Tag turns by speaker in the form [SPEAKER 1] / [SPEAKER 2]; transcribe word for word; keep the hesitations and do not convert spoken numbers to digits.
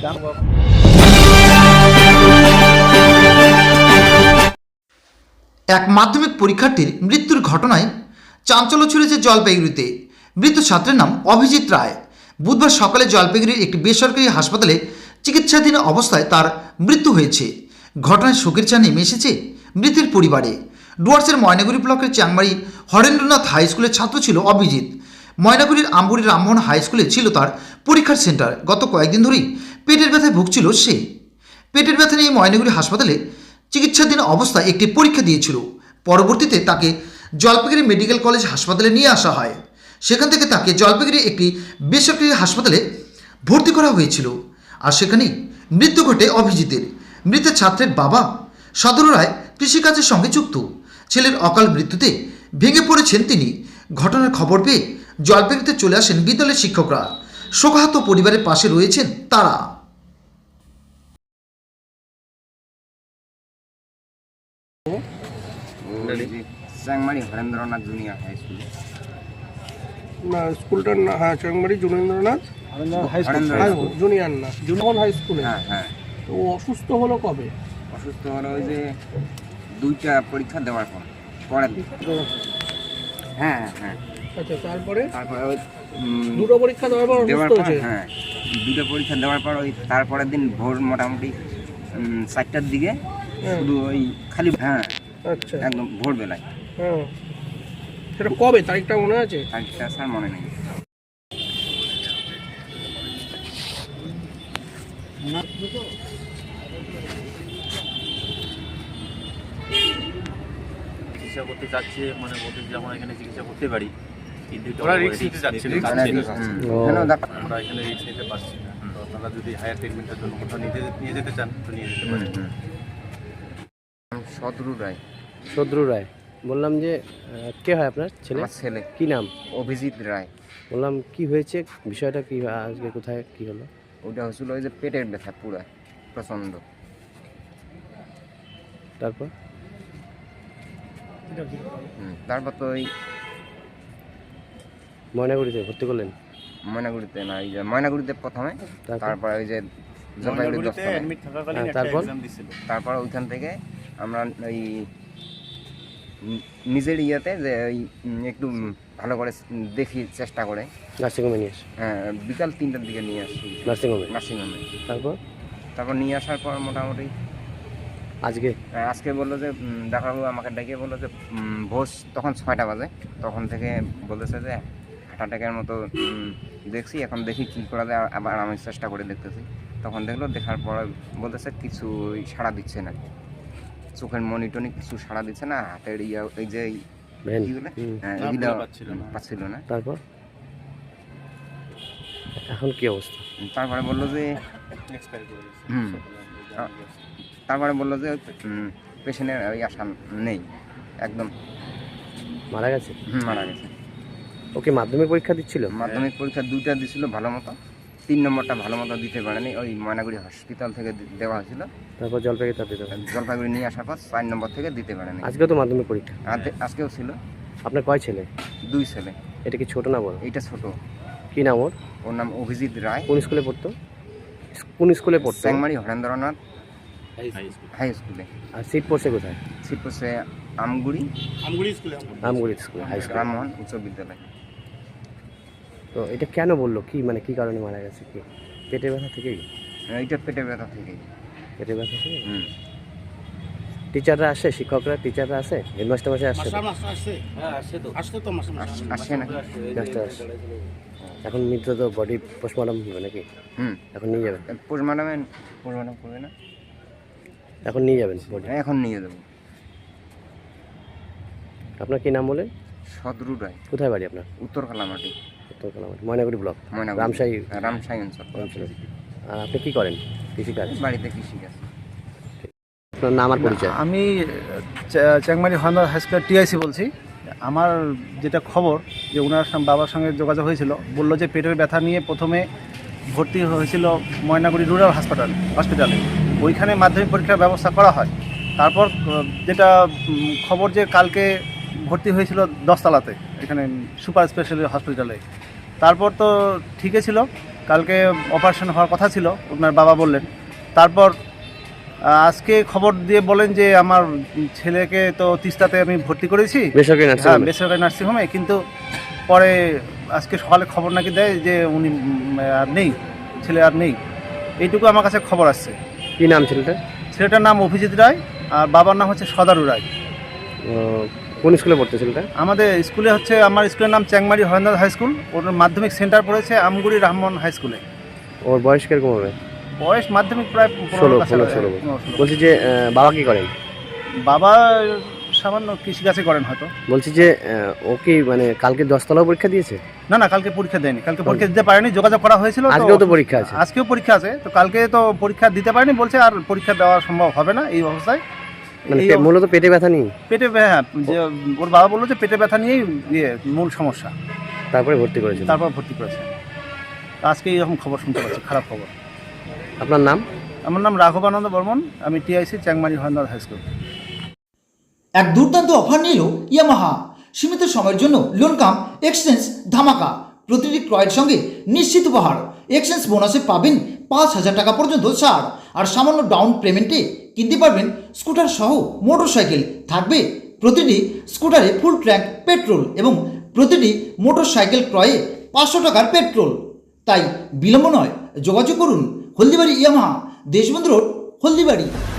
[SPEAKER 1] এক মাধ্যমিক পরীক্ষার্থীর মৃত্যুর ঘটনায় চাঞ্চল্য ছড়িয়েছে জলপাইগুড়িতে। মৃত ছাত্রের নাম অভিজিৎ রায়। বুধবার সকালে জলপাইগুড়ির একটি বেসরকারি হাসপাতালে চিকিৎসাধীন অবস্থায় তার মৃত্যু হয়েছে। ঘটনায় শোকের ছায়া নেমে এসেছে মৃতের পরিবারে। ডুয়ার্সের ময়নাগুড়ি ব্লকের চাংমারি হরেন্দ্রনাথ হাই স্কুলের ছাত্র ছিল অভিজিৎ। ময়নাগুড়ির আমগুড়ি রামমোহন হাই স্কুলে ছিল তার পরীক্ষার সেন্টার। গত কয়েকদিন ধরেই পেটের ব্যথায় ভুগছিল সে। পেটের ব্যথা নিয়ে ময়নাগুড়ি হাসপাতালে চিকিৎসাধীন অবস্থায় একটি পরীক্ষা দিয়েছিল। পরবর্তীতে তাকে জলপাইগুড়ি মেডিকেল কলেজ হাসপাতালে নিয়ে আসা হয়। সেখান থেকে তাকে জলপাইগুড়ি একটি বেসরকারি হাসপাতালে ভর্তি করা হয়েছিল। আর সেখানেই মৃত্যু ঘটে অভিজিতের। মৃত ছাত্রের বাবা সদর রায় কৃষিকাজের সঙ্গে যুক্ত। ছেলের অকাল মৃত্যুতে ভেঙে পড়েছেন তিনি। ঘটনার খবর পেয়ে জলপাইগুড়িতে চলে আসেন বিদ্যালয়ের শিক্ষকরা। শোকাহত পরিবারের পাশে রয়েছেন তারা।
[SPEAKER 2] Changmari Harendranath junior high school.
[SPEAKER 3] না, স্কুলটার না, হ্যাঁ, Changmari Junendranath high school, junior না, জুনিয়র হাই স্কুলে।
[SPEAKER 2] হ্যাঁ হ্যাঁ।
[SPEAKER 3] তো ও অসুস্থ হলো কবে?
[SPEAKER 2] অসুস্থ হলো ওই যে দুইটা পরীক্ষা দেওয়ার পর পরের দিন। হ্যাঁ হ্যাঁ।
[SPEAKER 3] আচ্ছা, তারপরে
[SPEAKER 2] তারপরে ওই
[SPEAKER 3] দুটো পরীক্ষা দেওয়ার পর
[SPEAKER 2] দেওয়ার
[SPEAKER 3] অসুস্থ
[SPEAKER 2] পর
[SPEAKER 3] হয়েছে?
[SPEAKER 2] হ্যাঁ, দুটো পরীক্ষা দেওয়ার পর ওই তারপরের দিন ভোর মোটামুটি চারটার দিকে শুধু ওই খালি হ্যাঁ
[SPEAKER 3] আচ্ছা,
[SPEAKER 2] একদম ভোরবেলায়।
[SPEAKER 3] হ্যাঁ, সেটা কবে, তারিখটা মনে আছে?
[SPEAKER 2] তারিখটা স্যার মনে নেই।
[SPEAKER 4] চিকিৎসা করতে চাচ্ছে, মানে বলতে যে আমরা এখানে চিকিৎসা করতে পারি, কিন্তু
[SPEAKER 5] ওরা রিস্ক নিতে চাচ্ছে না।
[SPEAKER 4] আমরা এখানে রিস্ক নিতে পারছি না। তো আপনারা যদি হায়ার ট্রিটমেন্টের জন্য কোথাও নিতে নিয়ে যেতে চান তো নিয়ে যেতে পারেন।
[SPEAKER 2] শত্রু রায়।
[SPEAKER 5] শত্রু রায়। বললাম যে কে হয় আপনার ছেলে?
[SPEAKER 2] আমার ছেলে।
[SPEAKER 5] কি নাম?
[SPEAKER 2] অভিজিৎ রায়।
[SPEAKER 5] বললাম কি হয়েছে, বিষয়টা কি, আজকে কোথায় কি হলো?
[SPEAKER 2] ওটা হচ্ছিল ওই যে পেটের ব্যথা পুরা প্রচন্ড।
[SPEAKER 5] তারপর
[SPEAKER 2] তারপর তো ওই
[SPEAKER 5] ময়নাগুড়িতে ভর্তি করলেন?
[SPEAKER 2] ময়নাগুড়িতে না, এই যে ময়নাগুড়িতে প্রথমে, তারপর ওই যে জলপাইগুড়ি দশতলায়।
[SPEAKER 5] তারপর
[SPEAKER 2] তারপর ওইখান থেকে আমরা ওই নিজের ইয়েতে যে ওই একটু ভালো করে দেখি চেষ্টা করে
[SPEAKER 5] নার্সিংহোমে নিয়ে আসে।
[SPEAKER 2] হ্যাঁ, বিকাল তিনটার দিকে নিয়ে আসি
[SPEAKER 5] নার্সিংহোমে।
[SPEAKER 2] নার্সিংহোমে।
[SPEAKER 5] তারপর
[SPEAKER 2] তারপর নিয়ে আসার পর মোটামুটি
[SPEAKER 5] আজকে
[SPEAKER 2] আজকে বললো যে ডাক্তারবাবু আমাকে ডেকে বললো যে ভোর তখন ছয়টা বাজে, তখন থেকে বলতেছে যে হার্ট অ্যাটাকের মতো দেখছি, এখন দেখি কী করা যায়। আবার আমি চেষ্টা করে দেখতেছি, তখন দেখলো, দেখার পর বলতেছে কিছু সাড়া দিচ্ছে না, চোখের মনিটনি কিছু সাড়া দিচ্ছে না, হাতের ইয়া এই যে এইগুলো এগুলো পাচ্ছিল না।
[SPEAKER 5] তারপর এখন কি অবস্থা?
[SPEAKER 2] তারপরে বললো যে হুম তারপরে বললো যে পেশেন্টের ওই আশা নেই, একদম
[SPEAKER 5] মারা গেছে।
[SPEAKER 2] হুম মারা গেছে।
[SPEAKER 5] ওকে মাধ্যমিক পরীক্ষা দিচ্ছিল?
[SPEAKER 2] মাধ্যমিক পরীক্ষা দুইটা দিছিল ভালো মতো, তিন নম্বরটা ভালো মতো দিতে পারেনি, ওই ময়নাগুড়ি হসপিটাল থেকে দেওয়া হয়েছিল।
[SPEAKER 5] তারপর জলপাইগুড়ি তার দিতে
[SPEAKER 2] জলপাইগুড়ি নিয়ে আসার পর চার নম্বর থেকে দিতে পারেনি।
[SPEAKER 5] আজকেও তো মাধ্যমিক পরীক্ষা?
[SPEAKER 2] আজকেও ছিল।
[SPEAKER 5] আপনার কয় ছেলে?
[SPEAKER 2] দুই ছেলে।
[SPEAKER 5] এটা কি ছোট না বড়?
[SPEAKER 2] এইটা ছোট।
[SPEAKER 5] কি নাম ওর?
[SPEAKER 2] ওর নাম অভিজিৎ রায়।
[SPEAKER 5] কোন স্কুলে পড়তো? কোন স্কুলে পড়তো?
[SPEAKER 2] চাংমারি হরেন্দ্রনাথ হাই স্কুলে।
[SPEAKER 5] আর সিট পড়ছে কোথায়?
[SPEAKER 2] সিট পড়ছে আমগুড়ি
[SPEAKER 3] আমগুড়ি স্কুলে।
[SPEAKER 5] আমগুড়ি স্কুলে, হাই স্কুল,
[SPEAKER 2] রামমোহন উচ্চ বিদ্যালয়।
[SPEAKER 5] তো এটা কেন বললো, কি মানে কি কারণে মারা গেছে? কি পেটের ব্যথা থেকেই?
[SPEAKER 2] এইটা পেটের ব্যথা থেকেই।
[SPEAKER 5] পেটের ব্যথা থেকে?
[SPEAKER 2] হুম।
[SPEAKER 5] টিচাররা আসে, শিক্ষকরা টিচাররা আসে, হেডমাস্টার মাসে আসে?
[SPEAKER 2] আসে না।
[SPEAKER 5] এখন মৃত তো বডি পোস্টমর্টম হবে নাকি?
[SPEAKER 2] হুম,
[SPEAKER 5] এখন নিয়ে যাবেন?
[SPEAKER 2] পোস্টমর্টমে পোস্টমর্টম করবে না,
[SPEAKER 5] এখন নিয়ে যাবেন বডি?
[SPEAKER 2] এখন নিয়ে যাবো।
[SPEAKER 5] আপনার কি নাম বলেন?
[SPEAKER 2] শত্রু রায়।
[SPEAKER 5] কোথায় বাড়ি আপনার?
[SPEAKER 2] উত্তর কালামাটি।
[SPEAKER 5] উত্তর কালামাটি, ময়নাগুড়ি ব্লক,
[SPEAKER 2] ময়নাগুড়ি
[SPEAKER 5] রামশাহী
[SPEAKER 2] রামশাহী অঞ্চল।
[SPEAKER 5] আর আপনি কি করেন? কৃষিকাজ?
[SPEAKER 2] বাড়িতে কৃষিকাজ।
[SPEAKER 5] আপনার নাম আর পরিচয়?
[SPEAKER 6] আমি Changmari Harendranath high school TIC বলছি। আমার যেটা খবর যে ওনার বাবার সঙ্গে যোগাযোগ হয়েছিল, বললো যে পেটের ব্যথা নিয়ে প্রথমে ভর্তি হয়েছিল ময়নাগুড়ি রুরাল হাসপাতাল হসপিটালে, ওইখানে মাধ্যমিক পরীক্ষার ব্যবস্থা করা হয়। তারপর যেটা খবর যে কালকে ভর্তি হয়েছিল দশতলাতে, এখানে সুপার স্পেশালিটি হসপিটালে। তারপর তো ঠিকই ছিল, কালকে অপারেশন হওয়ার কথা ছিল ওনার বাবা বললেন। তারপর আহ, আজকে খবর দিয়ে বলেন যে আমার ছেলেকে তো তিস্তাতে আমি ভর্তি করেছি,
[SPEAKER 5] বেসরকারি
[SPEAKER 6] হ্যাঁ
[SPEAKER 5] নার্সিংহোমে।
[SPEAKER 6] বেসরকারি নার্সিংহোমে, কিন্তু পরে আজকে সকালে খবর নাকি দেয় যে উনি উম, আর নেই, ছেলে আর নেই। এইটুকু আমার কাছে খবর আসছে।
[SPEAKER 5] কি নাম ছেলেটার?
[SPEAKER 6] ছেলেটার নাম অভিজিৎ রায় আর বাবার নাম হচ্ছে সদারু রায়।
[SPEAKER 5] আহ, কোন স্কুলে পড়তে ছেলেটা?
[SPEAKER 6] আমাদের স্কুলে হচ্ছে, আমার স্কুলের নাম চ্যাংমারি হরেন্দ্রনাথ হাই স্কুল, ওর মাধ্যমিক সেন্টার পড়েছে আমগুড়ি রহমান হাই স্কুলে।
[SPEAKER 5] ওর বয়স কিরকম হবে?
[SPEAKER 6] বয়স মাধ্যমিক প্রায়
[SPEAKER 5] ষোলো
[SPEAKER 6] পনেরো
[SPEAKER 5] পনেরো
[SPEAKER 6] কাছাকাছি।
[SPEAKER 5] ষোলো।
[SPEAKER 6] পনেরো, ষোলো।
[SPEAKER 5] বলছি যে আহ, বাবা কি করেন?
[SPEAKER 6] বাবা সামান্য কৃষিকাজে করেন হয়তো।
[SPEAKER 5] বলছি যে আহ, ও কি মানে কালকে দশতলাও পরীক্ষা দিয়েছে?
[SPEAKER 6] না না, কালকে পরীক্ষা দেয়নি, কালকে পরীক্ষা দিতে পারেনি, যোগাযোগ করা হয়েছিল। তো-
[SPEAKER 5] আজকেও তো পরীক্ষা আছে।
[SPEAKER 6] আজকেও পরীক্ষা আছে, তো কালকে তো পরীক্ষা দিতে পারেনি, বলছে আর পরীক্ষা দেওয়া সম্ভব হবে না এই অবস্থায়।
[SPEAKER 5] মানে
[SPEAKER 6] এই
[SPEAKER 5] পে-
[SPEAKER 6] অব-
[SPEAKER 5] মূলত পেটে ব্যথা নেই,
[SPEAKER 6] পেটে ব্যা- হ্যাঁ, যে ওর বাবা বললো যে পেটে ব্যথা নিয়েই ইয়ে মূল সমস্যা,
[SPEAKER 5] তারপরে ভর্তি করেছিল।
[SPEAKER 6] তারপর ভর্তি করেছে। তো আজকে এইরকম খবর শুনতে পাচ্ছি, খারাপ খবর।
[SPEAKER 5] আপনার নাম?
[SPEAKER 6] আমার নাম রাঘবানন্দ বর্মন, আমি TIC Changmari Harendranath high school.
[SPEAKER 1] এক দুর্দান্ত অফার নিল ইয়ামাহা। সীমিত সময়ের জন্য লোন কাম এক্সচেঞ্জ ধামাকা। প্রতিটি ক্রয়ের সঙ্গে নিশ্চিত উপহার। এক্সচেঞ্জ বোনাসে পাবেন পাঁচ হাজার টাকা পর্যন্ত ছাড়। আর সামান্য ডাউন পেমেন্টে কিনতে পারবেন স্কুটার সহ মোটর সাইকেল। থাকবে প্রতিটি স্কুটারে ফুল ট্যাঙ্ক পেট্রোল এবং প্রতিটি মোটর সাইকেল ক্রয়ে পাঁচশো টাকার পেট্রোল। তাই বিলম্ব নয়, যোগাযোগ করুন হলদিবাড়ি ইয়ামাহা, দেশবন্ধু রোড, হলদিবাড়ি।